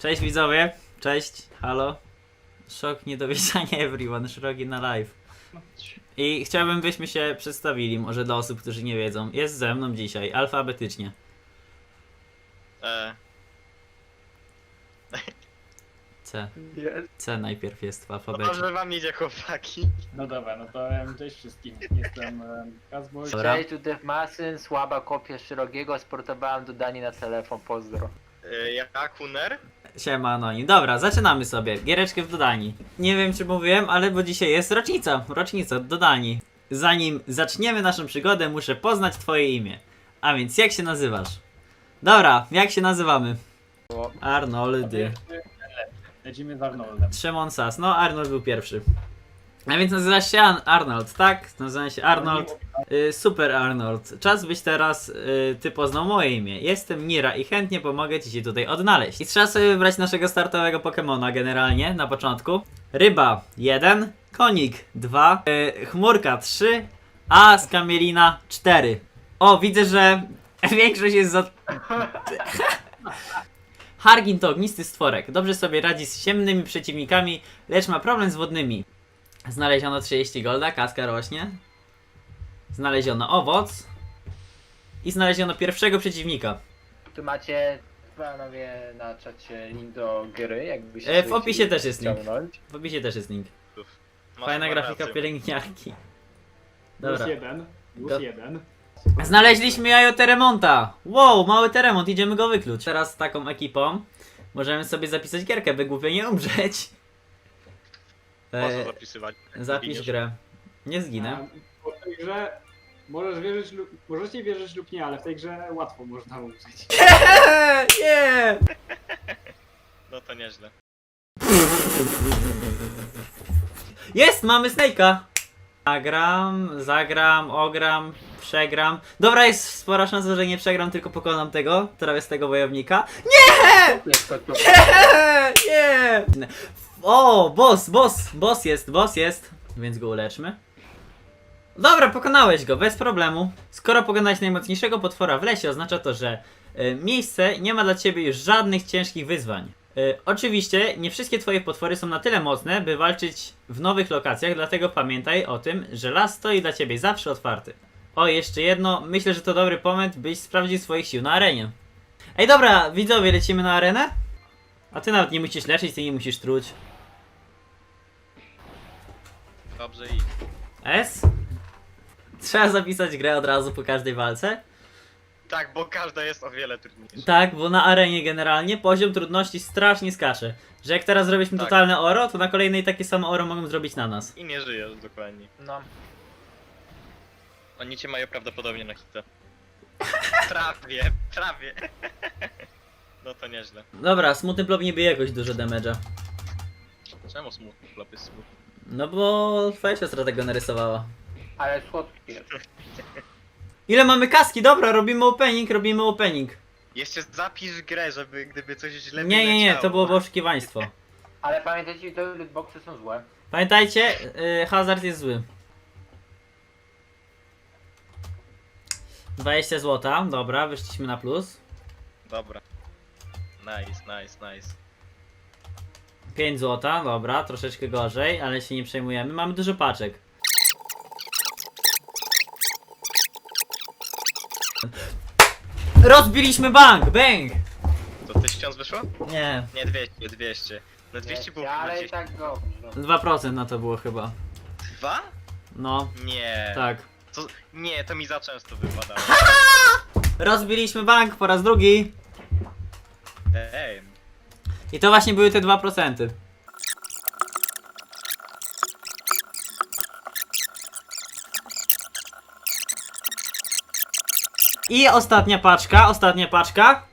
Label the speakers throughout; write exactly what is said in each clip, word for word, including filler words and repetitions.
Speaker 1: Cześć widzowie, cześć, halo. Szok, niedowierzanie everyone, szeroki na live. I chciałbym, byśmy się przedstawili, może dla osób, którzy nie wiedzą. Jest ze mną dzisiaj, alfabetycznie.
Speaker 2: E,
Speaker 1: C.
Speaker 3: Jest.
Speaker 1: C najpierw jest w
Speaker 2: no
Speaker 1: alfabecie.
Speaker 2: dobrze wam idzie, chłopaki.
Speaker 4: No dobra, no to em, cześć wszystkim. Jestem em, Kazboś.
Speaker 1: Dobra.
Speaker 3: Cześć, tu Def Masyn, słaba kopia szerokiego, sportowałem dodanie na telefon, pozdro.
Speaker 2: E, ja Kuner?
Speaker 1: Siema Anonim. Dobra, zaczynamy sobie. Giereczkę w dodani. Nie wiem czy mówiłem, ale bo dzisiaj jest rocznica. Rocznica dodani. Zanim zaczniemy naszą przygodę, muszę poznać twoje imię. A więc jak się nazywasz? Dobra, jak się nazywamy? Arnoldy.
Speaker 4: Lecimy z Arnoldem.
Speaker 1: Szymon Sas. No, Arnold był pierwszy. A więc nazywasz się An Arnold, tak? Nazywam się Arnold. Y, super Arnold. Czas byś teraz y, ty poznał moje imię. Jestem Nira i chętnie pomogę ci się tutaj odnaleźć. I trzeba sobie wybrać naszego startowego Pokemona generalnie na początku. Ryba jeden, konik dwa, y, chmurka trzy, a skamielina cztery. O, widzę, że większość jest za... Hargin to ognisty stworek. Dobrze sobie radzi z ciemnymi przeciwnikami, lecz ma problem z wodnymi. Znaleziono trzydzieści golda, kaska rośnie. Znaleziono owoc. I znaleziono pierwszego przeciwnika.
Speaker 3: Tu macie, panowie, na czacie link do gry, jakby się
Speaker 1: E, w
Speaker 3: chcieli
Speaker 1: opisie też jest link.
Speaker 3: ściągnąć.
Speaker 1: W opisie też jest link.
Speaker 2: Masz
Speaker 1: Fajna
Speaker 2: chyba
Speaker 1: grafika
Speaker 2: rację.
Speaker 1: pielęgniarki.
Speaker 4: Plus
Speaker 1: Dobra.
Speaker 4: jeden. Plus
Speaker 1: Go-
Speaker 4: jeden.
Speaker 1: Znaleźliśmy jajo Teremonta. Wow, mały Teremont, idziemy go wykluć. Teraz z taką ekipą możemy sobie zapisać gierkę, by głupio nie umrzeć.
Speaker 2: Można
Speaker 1: E,
Speaker 2: zapisywać.
Speaker 1: zapisz
Speaker 2: Zginiesz.
Speaker 1: grę. Nie zginę.
Speaker 4: A, bo w tej grze możesz wierzyć lub, możecie wierzyć lub nie, ale w tej grze łatwo można umrzeć.
Speaker 1: Nie!
Speaker 2: No to nieźle.
Speaker 1: Jest, mamy Snake'a! Zagram, zagram, ogram, przegram. Dobra, jest spora szansa, że nie przegram, tylko pokonam tego, trawiestego wojownika.
Speaker 3: Jest to tu.
Speaker 1: Nie! Nie! O, boss, boss, boss jest, boss jest. Więc go uleczmy. Dobra, pokonałeś go, bez problemu. Skoro pokonałeś najmocniejszego potwora w lesie, oznacza to, że y, miejsce nie ma dla ciebie już żadnych ciężkich wyzwań. Y, oczywiście nie wszystkie twoje potwory są na tyle mocne, by walczyć w nowych lokacjach, dlatego pamiętaj o tym, że las stoi dla ciebie zawsze otwarty. O, jeszcze jedno, myślę, że to dobry moment, byś sprawdził swoich sił na arenie. Ej, dobra, widzowie, lecimy na arenę? A ty nawet nie musisz leczyć, ty nie musisz truć.
Speaker 2: Dobrze i.
Speaker 1: S? Trzeba zapisać grę od razu po każdej walce.
Speaker 2: Tak, bo każda jest o wiele trudniejsza.
Speaker 1: Tak, bo na arenie generalnie poziom trudności strasznie skacze. Że jak teraz zrobiliśmy
Speaker 2: Tak.
Speaker 1: totalne oro, to na kolejnej takie samo oro mogą zrobić na nas.
Speaker 2: I nie żyjesz dokładnie.
Speaker 3: No.
Speaker 2: Oni cię mają prawdopodobnie na hita. Prawie, prawie. No to nieźle.
Speaker 1: Dobra, smutny blob nie bije jakoś dużo damage'a.
Speaker 2: Czemu smutny klop jest smutny?
Speaker 1: No bo twoja siostra tego narysowała.
Speaker 3: Ale słodki jest.
Speaker 1: Ile mamy kaski? Dobra, robimy opening, robimy opening.
Speaker 2: Jeszcze zapisz grę, żeby gdyby coś źle
Speaker 1: Nie, nie, nie,
Speaker 2: wyleciało.
Speaker 1: to było oszukiwaństwo.
Speaker 3: Ale pamiętajcie, że lootboxy są złe.
Speaker 1: Pamiętajcie, yy, hazard jest zły. dwadzieścia złota, dobra, wyszliśmy na plus.
Speaker 2: Dobra. Nice, nice, nice.
Speaker 1: pięć złota, dobra, troszeczkę gorzej, ale się nie przejmujemy. Mamy dużo paczek. Rozbiliśmy bank! Bang!
Speaker 2: To tysiąc wyszło?
Speaker 1: Nie,
Speaker 2: Nie, dwieście, dwieście. No dwieście było
Speaker 3: ale
Speaker 2: chyba
Speaker 3: i tak dobrze.
Speaker 1: dwa procent na to było chyba.
Speaker 2: Dwa?
Speaker 1: No,
Speaker 2: Nie.
Speaker 1: tak.
Speaker 2: To, nie, to mi za często wypadało.
Speaker 1: Rozbiliśmy bank po raz drugi.
Speaker 2: Ej,
Speaker 1: I to właśnie były te dwa procent. I ostatnia paczka, ostatnia paczka.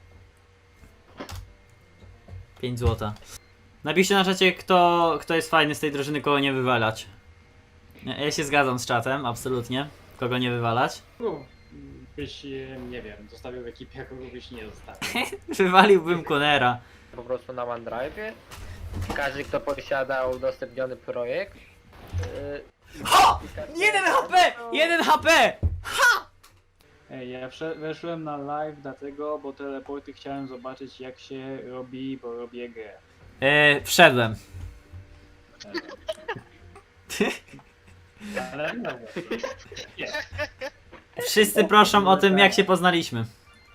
Speaker 1: pięć złota. Napiszcie na czacie, kto, kto jest fajny z tej drużyny, kogo nie wywalać. Ja ja się zgadzam z czatem, absolutnie. Kogo nie wywalać.
Speaker 4: Kogo byś, e, nie wiem, zostawił w ekipie, a kogo byś nie zostawił.
Speaker 1: Wywaliłbym Konera.
Speaker 3: Po prostu na OneDrive. Każdy, kto posiada udostępniony projekt. Yy,
Speaker 1: Ho! jeden H P! jeden H P!
Speaker 4: Ej, ja wszedł- weszłem na live dlatego, bo teleporty chciałem zobaczyć jak się robi, bo robię grę.
Speaker 1: Yy, wszedłem.
Speaker 4: Ale no, nie.
Speaker 1: Wszyscy proszą o tym, jak się poznaliśmy.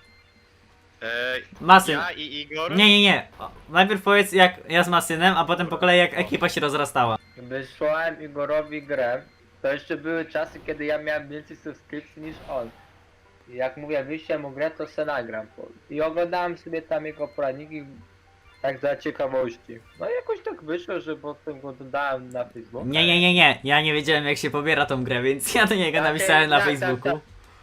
Speaker 2: Eee,
Speaker 1: Masyn.
Speaker 2: ja i Igor?
Speaker 1: Nie, nie, nie. O, najpierw powiedz jak ja z Masynem, a potem po kolei jak ekipa się rozrastała.
Speaker 3: Wysłałem Igorowi grę. To jeszcze były czasy, kiedy ja miałem więcej subskrypcji niż on. I jak mówię, wyślę mu grę, to se nagram. I oglądałem sobie tam jego poradniki, tak dla ciekawości. No i jakoś tak wyszło, że potem go dodałem na Facebooku.
Speaker 1: Nie, nie, nie, nie. Ja nie wiedziałem jak się pobiera tą grę, więc ja do niego
Speaker 3: Takie-
Speaker 1: napisałem na
Speaker 3: tak, tak,
Speaker 1: Facebooku.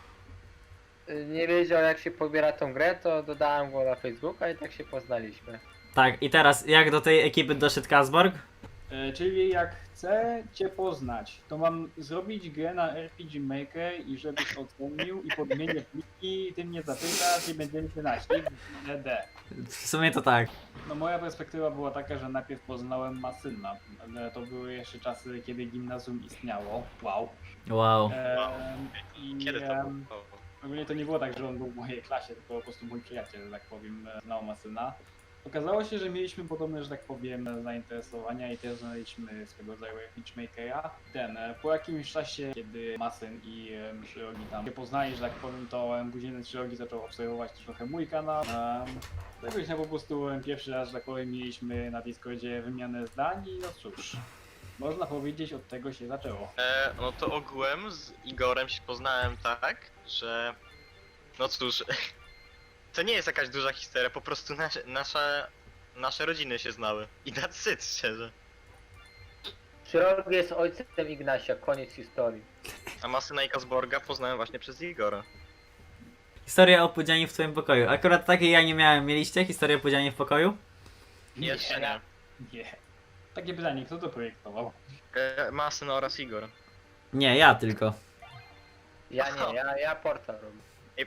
Speaker 3: Nie wiedział jak się pobiera tą grę, to dodałem go na Facebooka i tak się poznaliśmy.
Speaker 1: Tak, i teraz jak do tej ekipy doszedł Kazborg?
Speaker 4: E, czyli jak chcę cię poznać, to mam zrobić grę na R P G Maker i żebyś ocenił i podmienię pliki, ty mnie zapytasz i będziemy się naśli w D D.
Speaker 1: W sumie to tak.
Speaker 4: No moja perspektywa była taka, że najpierw poznałem Masyna. Ale to były jeszcze czasy, kiedy gimnazjum istniało. Wow.
Speaker 1: Wow.
Speaker 4: Em, I
Speaker 2: Kiedy to
Speaker 4: em,
Speaker 2: było?
Speaker 4: ogólnie to nie było tak, że on był w mojej klasie, tylko po prostu mój przyjaciel, że tak powiem, e, znał Masyna. Okazało się, że mieliśmy podobne, że tak powiem, zainteresowania i też znaleźliśmy swego rodzaju pitchmakera. Ten, e, po jakimś czasie, kiedy Masyn i um, Szyrogi tam się poznali, że tak powiem, to um, później ten Szyrogi zaczął obserwować trochę mój kanał. Um, Jakoś no po prostu em, pierwszy raz, że tak powiem, mieliśmy na Discordzie wymianę zdań i no cóż, można powiedzieć, od tego się zaczęło.
Speaker 2: E, no to ogółem z Igorem się poznałem tak, że... No cóż... To nie jest jakaś duża historia, po prostu nasze, nasze, nasze rodziny się znały. I that's it, szczerze.
Speaker 3: Szyrogi jest ojcem Ignasia, koniec historii.
Speaker 2: A Masyna i Kazborga poznałem właśnie przez Igora.
Speaker 1: Historia o pudzianie w twoim pokoju. Akurat takiej ja nie miałem. Mieliście historię o pudzianie w pokoju?
Speaker 2: Jeszcze nie.
Speaker 4: Nie. Takie pytanie, kto to projektował?
Speaker 2: E, Masyn oraz Igor.
Speaker 1: Nie, ja tylko.
Speaker 3: Ja nie, ja, ja portal robię.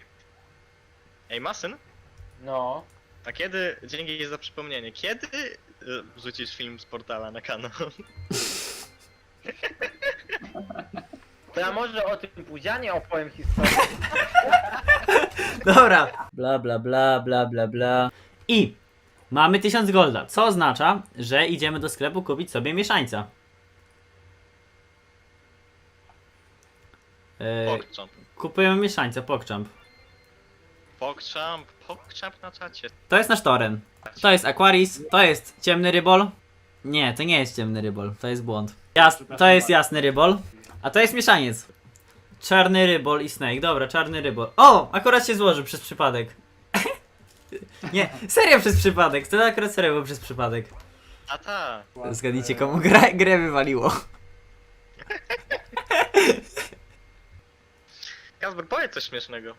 Speaker 2: Ej, Masyn?
Speaker 3: No.
Speaker 2: A kiedy, dzięki za przypomnienie, kiedy y, wrzucisz film z portala na kanał?
Speaker 3: To ja może o tym pudzianie opowiem historię.
Speaker 1: Dobra. Bla bla bla bla bla bla. I mamy tysiąc golda, co oznacza, że idziemy do sklepu kupić sobie mieszańca. Yy,
Speaker 2: Pogchamp.
Speaker 1: kupujemy mieszańca, PogChamp.
Speaker 2: Pogchamp, Pogchamp na czacie.
Speaker 1: To jest nasz toren. To jest Aquaris, to jest ciemny rybol. Nie, to nie jest ciemny rybol, to jest błąd. Jas to jest jasny rybol, a to jest mieszaniec. Czarny rybol i snake, dobra, czarny rybol. O, akurat się złożył przez przypadek. Nie, serio przez przypadek, to akurat serio było przez przypadek.
Speaker 2: A ta.
Speaker 1: Zgadnijcie komu grę, grę wywaliło.
Speaker 2: Kazbor, powiedz coś śmiesznego.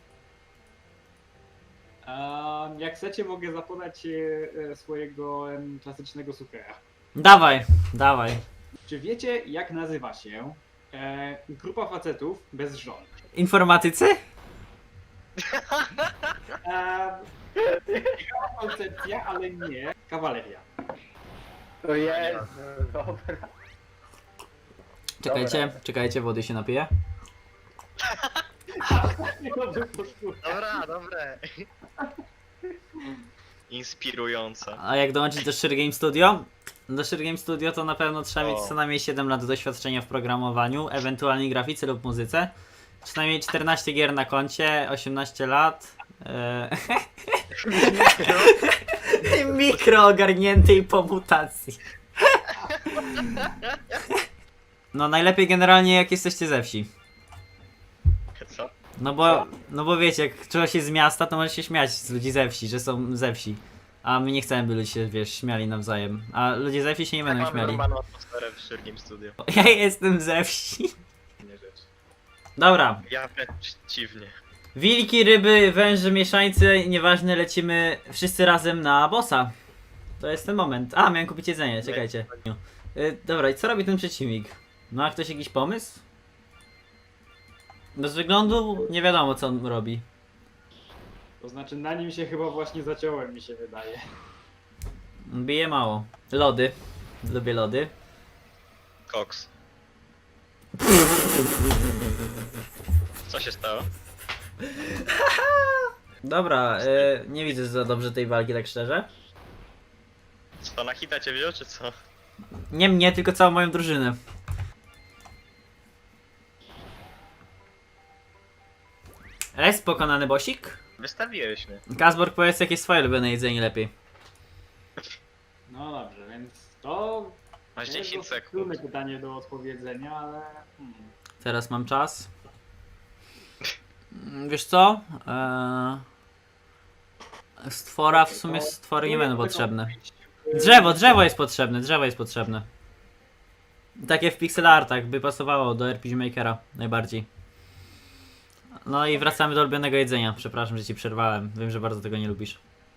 Speaker 4: A jak chcecie, mogę zapodać e, e, swojego em, klasycznego sukera.
Speaker 1: Dawaj, dawaj.
Speaker 4: Czy wiecie, jak nazywa się e, grupa facetów bez żon?
Speaker 1: Informatycy?
Speaker 4: E, ciekawa koncepcja, ale nie. Kawaleria.
Speaker 3: To jest, dobra.
Speaker 1: Czekajcie,
Speaker 3: Dobra.
Speaker 1: czekajcie, wody się napiję.
Speaker 2: Dobra, dobre. Inspirujące.
Speaker 1: A jak dołączyć do Sheer Game Studio? Do Sheer Game Studio to na pewno trzeba mieć
Speaker 2: O.
Speaker 1: co najmniej siedem lat doświadczenia w programowaniu, ewentualnie grafice lub muzyce. Przynajmniej czternaście gier na koncie, osiemnaście lat. Eee... Mikro ogarniętej po mutacji. No najlepiej generalnie jak jesteście ze wsi.
Speaker 2: Co?
Speaker 1: No bo, no bo wiecie, jak czegoś jest z miasta, to może się śmiać z ludzi ze wsi, że są ze wsi. A my nie chcemy, by ludzie się, wiesz, śmiali nawzajem. A ludzie ze wsi się nie będą
Speaker 2: Mamy
Speaker 1: śmiali.
Speaker 2: normalną atmosferę w Sheer Game Studio.
Speaker 1: Ja jestem ze wsi.
Speaker 2: Nie rzecz.
Speaker 1: Dobra.
Speaker 2: Ja wręcz przeciwnie.
Speaker 1: Wilki, ryby, węże, mieszańcy, nieważne, lecimy wszyscy razem na bossa. To jest ten moment. A, miałem kupić jedzenie, czekajcie. Y, dobra, i co robi ten przeciwnik? Ma ktoś jakiś pomysł? Bez wyglądu nie wiadomo, co on robi.
Speaker 4: To znaczy, na nim się chyba właśnie zaciąłem, mi się wydaje.
Speaker 1: Bije mało. Lody. Lubię lody.
Speaker 2: Koks. Co się stało?
Speaker 1: Dobra, y, nie widzę za dobrze tej walki, tak szczerze.
Speaker 2: Co, na hita cię wziął, czy co?
Speaker 1: Nie mnie, tylko całą moją drużynę. Jest pokonany bosik?
Speaker 2: Wystawiłeś mnie.
Speaker 1: Kazborg, powiedz jakie jest twoje ulubione jedzenie lepiej.
Speaker 4: No dobrze, więc to
Speaker 2: Masz
Speaker 4: to jest
Speaker 2: dziesięć
Speaker 4: dosyć
Speaker 2: sekund.
Speaker 4: trudne pytanie do odpowiedzenia, ale... Hmm.
Speaker 1: Teraz mam czas. Mm, Wiesz co? Eee... Stwora, w sumie stwory nie będą potrzebne. Drzewo, drzewo jest potrzebne, drzewo jest potrzebne. Takie w pixel artach by pasowało do R P G Makera najbardziej. No i wracamy do ulubionego jedzenia. Przepraszam, że ci przerwałem. Wiem, że bardzo tego nie lubisz.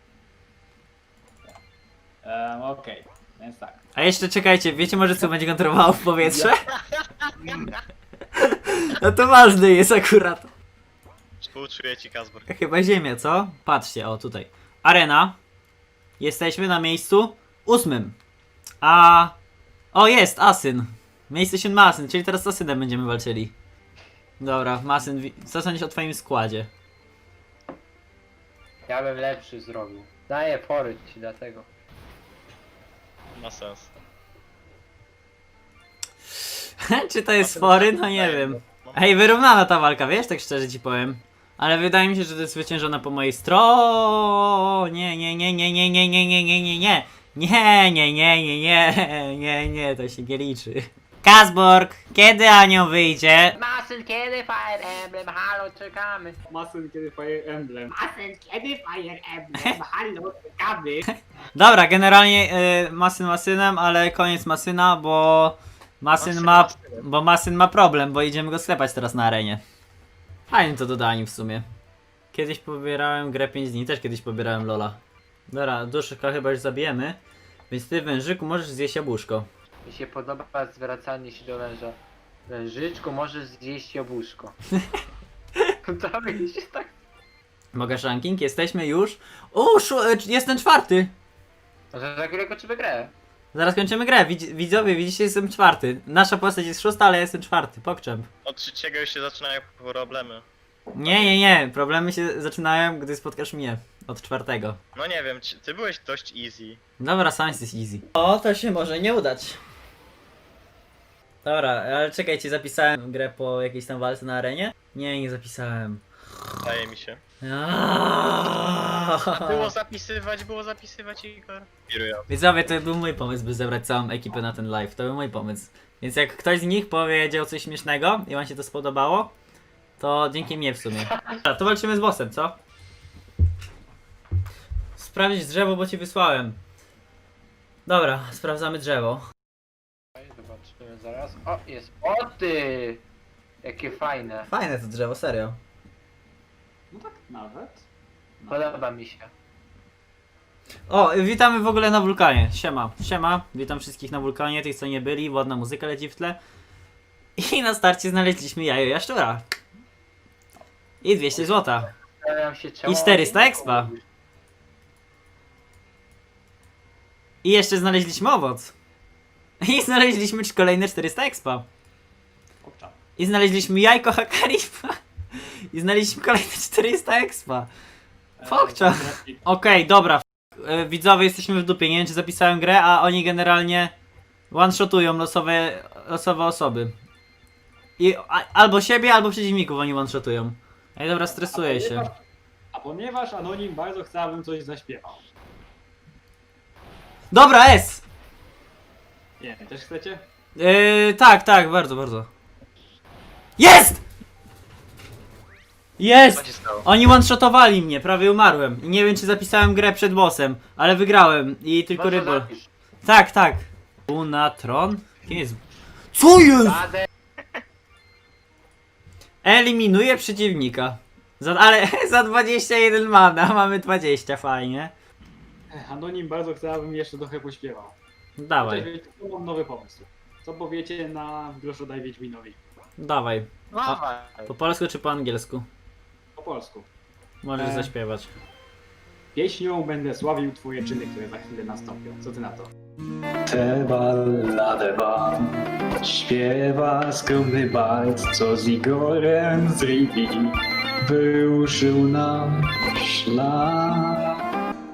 Speaker 4: Um, Okej, więc tak.
Speaker 1: A jeszcze czekajcie, wiecie może co będzie kontrolowało w powietrze? No to ważne jest akurat.
Speaker 2: Współczuję ci, Kazbor.
Speaker 1: Chyba ziemia, co? Patrzcie, o tutaj. Arena. Jesteśmy na miejscu ósmym. A... O, jest, Asyn. Miejsce siódme Asyn, czyli teraz z Asynem będziemy walczyli. Dobra, Masyn, wi- co sądzisz o twoim składzie?
Speaker 3: Ja bym lepszy zrobił. Daję fory ci dlatego.
Speaker 2: Ma sens.
Speaker 1: Czy to jest fory? No nie wiem. Hej, wyrównana ta walka, wiesz, tak szczerze ci powiem. Ale wydaje mi się, że to jest zwyciężona po mojej stronie. Nie, nie, nie, nie, nie, nie, nie, nie, nie, nie. Nie, nie, nie, nie, nie, nie, nie, to się nie liczy. Kazborg, kiedy Anioł wyjdzie?
Speaker 3: Masyn, kiedy Fire Emblem? Halo, czekamy.
Speaker 4: Masyn, kiedy Fire Emblem.
Speaker 5: Masyn, kiedy Fire Emblem? Halo, czekamy.
Speaker 1: Dobra, generalnie y, Masyn Masynem, ale koniec Masyna, bo Masyn
Speaker 2: Masyn
Speaker 1: ma,
Speaker 2: Masynem.
Speaker 1: bo Masyn ma problem, bo idziemy go sklepać teraz na arenie. Fajnie to dodali w sumie. Kiedyś pobierałem grę pięć dni, też kiedyś pobierałem Lola. Dobra, duszka chyba już zabijemy, więc ty wężyku możesz zjeść jabłuszko.
Speaker 3: Mi się podoba zwracanie się do węża. Wężyczku, możesz zjeść jabłuszko. To mi się tak...
Speaker 1: Mogę ranking? Jesteśmy już. O, szu- e, jestem czwarty.
Speaker 3: Że za chwilę kończymy grę.
Speaker 1: Zaraz kończymy grę. Widz- widzowie, widzicie, jestem czwarty. Nasza postać jest szósta, ale ja jestem czwarty. Pokczem.
Speaker 2: Od trzeciego już się zaczynają problemy.
Speaker 1: Nie, nie, nie. Problemy się zaczynają, gdy spotkasz mnie. Od czwartego.
Speaker 2: No nie wiem, czy- ty byłeś dość easy.
Speaker 1: Dobra, science jest easy. O, to się może nie udać. Dobra, ale czekajcie, zapisałem grę po jakiejś tam walce na arenie? Nie, nie zapisałem.
Speaker 2: Wydaje mi się.
Speaker 1: Aaaa.
Speaker 2: Było zapisywać, było zapisywać, Igor. Piruję.
Speaker 1: Widzowie, to był mój pomysł, by zebrać całą ekipę na ten live. To był mój pomysł. Więc jak ktoś z nich powiedział coś śmiesznego i wam się to spodobało, to dzięki mnie w sumie. Dobra, to walczymy z bossem, co? Sprawdzić drzewo, bo ci wysłałem. Dobra, sprawdzamy drzewo.
Speaker 3: Zobaczymy zaraz. O, jest. O ty! Jakie fajne.
Speaker 1: Fajne to drzewo, serio.
Speaker 4: No tak nawet.
Speaker 3: Podoba mi się.
Speaker 1: O, witamy w ogóle na wulkanie. Siema, siema. Witam wszystkich na wulkanie, tych co nie byli. Ładna muzyka leci w tle. I na starcie znaleźliśmy jajo jaszczura. I dwieście złota.
Speaker 3: Zastanawiam się, czemu
Speaker 1: I czterysta
Speaker 3: oni
Speaker 1: expa.
Speaker 3: robią.
Speaker 1: I jeszcze znaleźliśmy owoc. I znaleźliśmy kolejne czterysta expa.
Speaker 4: Obczam.
Speaker 1: I znaleźliśmy jajko Hakarifa. I znaleźliśmy kolejne czterysta expa. Fokcza. Okej, dobra. E, Widzowie, jesteśmy w dupie. Nie wiem, czy zapisałem grę, a oni generalnie one-shotują losowe, losowe osoby. I a, albo siebie, albo przeciwników oni one-shotują. Ej, dobra, stresuję się.
Speaker 4: A ponieważ Anonim bardzo chce, abym coś zaśpiewał.
Speaker 1: Dobra, S!
Speaker 4: Nie, też chcecie?
Speaker 1: Yy, tak, tak, bardzo, bardzo. Jest!
Speaker 2: Co
Speaker 1: Jest!
Speaker 2: się stało?
Speaker 1: Oni one-shotowali mnie, prawie umarłem. I nie wiem, czy zapisałem grę przed bossem, ale wygrałem i tylko
Speaker 3: Może
Speaker 1: rybol.
Speaker 3: zapisz.
Speaker 1: Tak, tak. Unatron? Kim jest? Co jest?
Speaker 3: Radę.
Speaker 1: Eliminuje przeciwnika. Za, ale za dwadzieścia jeden mana, mamy dwadzieścia, fajnie.
Speaker 4: Anonim bardzo chce, abym jeszcze trochę pośpiewał.
Speaker 1: Dawaj,
Speaker 4: Cześć, wiecie, to mam nowy pomysł. Co powiecie na groszu daj Wiedźminowi?
Speaker 1: dawaj.
Speaker 3: Dawaj.
Speaker 1: Po polsku czy po angielsku?
Speaker 4: Po polsku.
Speaker 1: Możesz
Speaker 4: E.
Speaker 1: zaśpiewać.
Speaker 4: Pieśnią będę sławił twoje czyny, które za chwilę nastąpią. Co ty na to? Te ballade wam śpiewa skromny bard, co z Igorem z Rivi wyruszył na szlak.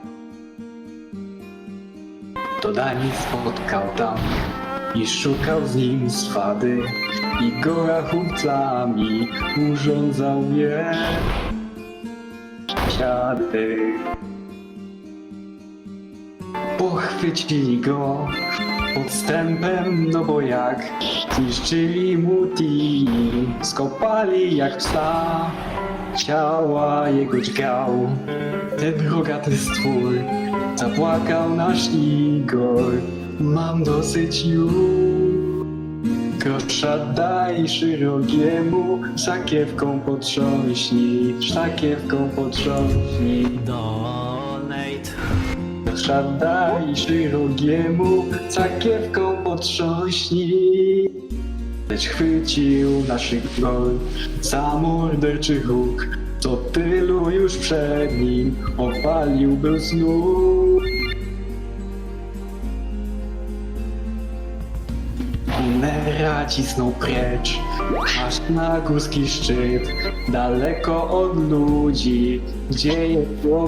Speaker 4: To Dani spotkał tam i szukał z nim swady. Igora chłopcami urządzał je siady. Pochwycili go podstępem, no bo jak zniszczyli mu team, skopali jak psa, ciała jego dźgał. Ten rogaty stwór zapłakał nasz Igor, mam dosyć już. Grosza daj szerokiemu, sakiewką potrząśnij, sakiewką potrząśnij.
Speaker 1: Donate.
Speaker 4: Grosza daj szerokiemu, sakiewką potrząśnij. Lecz chwycił naszych gol za morderczy huk, co tylu już przed nim opalił był znów. Kunera cisnął precz, aż na górski szczyt, daleko od ludzi, gdzie jego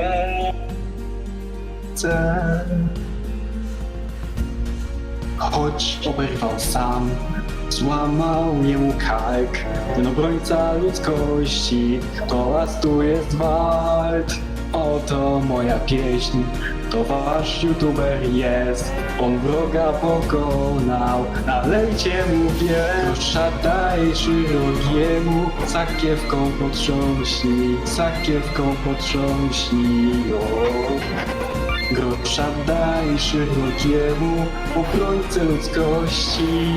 Speaker 4: miejsce. Choć oberwał sam, złamał jemu kark, ten obrońca ludzkości, toraz tu jest wart. Oto moja pieśń, to wasz youtuber jest, on wroga pokonał, nalejcie mu grosza daj szerokiemu, sakiewką potrząśnij, sakiewką potrząśnij, o. Grosza daj szerokiemu, obrońcę ludzkości.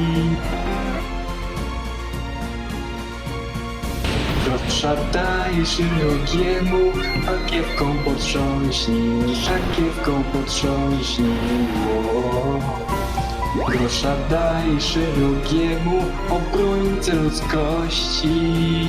Speaker 4: Grosza daj szerokiemu, sakiewką potrząśnij, sakiewką potrząśnij, o. Grosza daj szerokiemu, obrońcę ludzkości.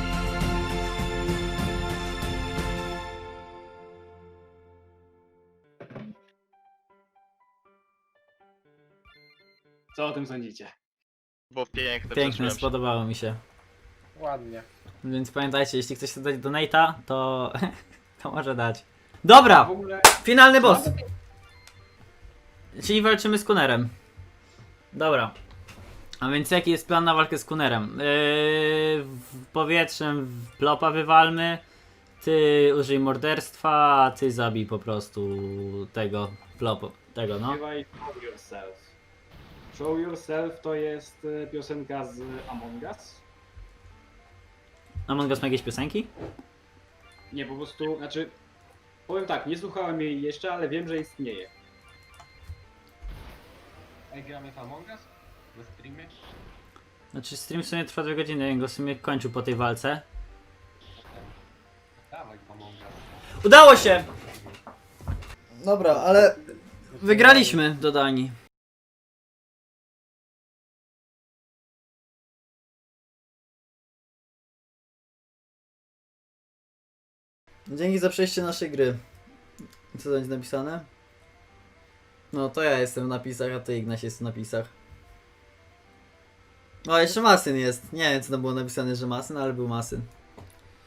Speaker 4: Co o tym sądzicie?
Speaker 2: Było piękne,
Speaker 1: Piękne,
Speaker 2: przeżyłem się.
Speaker 1: spodobało mi się.
Speaker 3: Ładnie.
Speaker 1: Więc pamiętajcie, jeśli ktoś chce dać donate'a, to, to może dać. Dobra,
Speaker 4: W ogóle
Speaker 1: finalny boss. Czyli walczymy z Kunerem. Dobra. A więc jaki jest plan na walkę z Kunerem? Yy, w powietrzem w plopa wywalmy. Ty użyj morderstwa, a ty zabij po prostu tego plopu. Tego no.
Speaker 4: śpiewaj Show Yourself. Show Yourself to jest e, piosenka z Among Us.
Speaker 1: Among Us ma jakieś piosenki?
Speaker 4: Nie, po prostu, znaczy, powiem tak, nie słuchałem jej jeszcze, ale wiem, że istnieje.
Speaker 3: Ej, gramy w Among Us? Na streamie?
Speaker 1: Znaczy stream w sumie trwa dwie godziny, ja go w sumie kończył po tej walce.
Speaker 3: Dawaj w Among Us.
Speaker 1: Udało się! Dobra, ale wygraliśmy do Danii. Dzięki za przejście naszej gry. Co to będzie napisane? No to ja jestem w napisach, a ty Ignaś jest w napisach. O, jeszcze Masyn jest. Nie wiem co tam było napisane, że Masyn, ale był Masyn.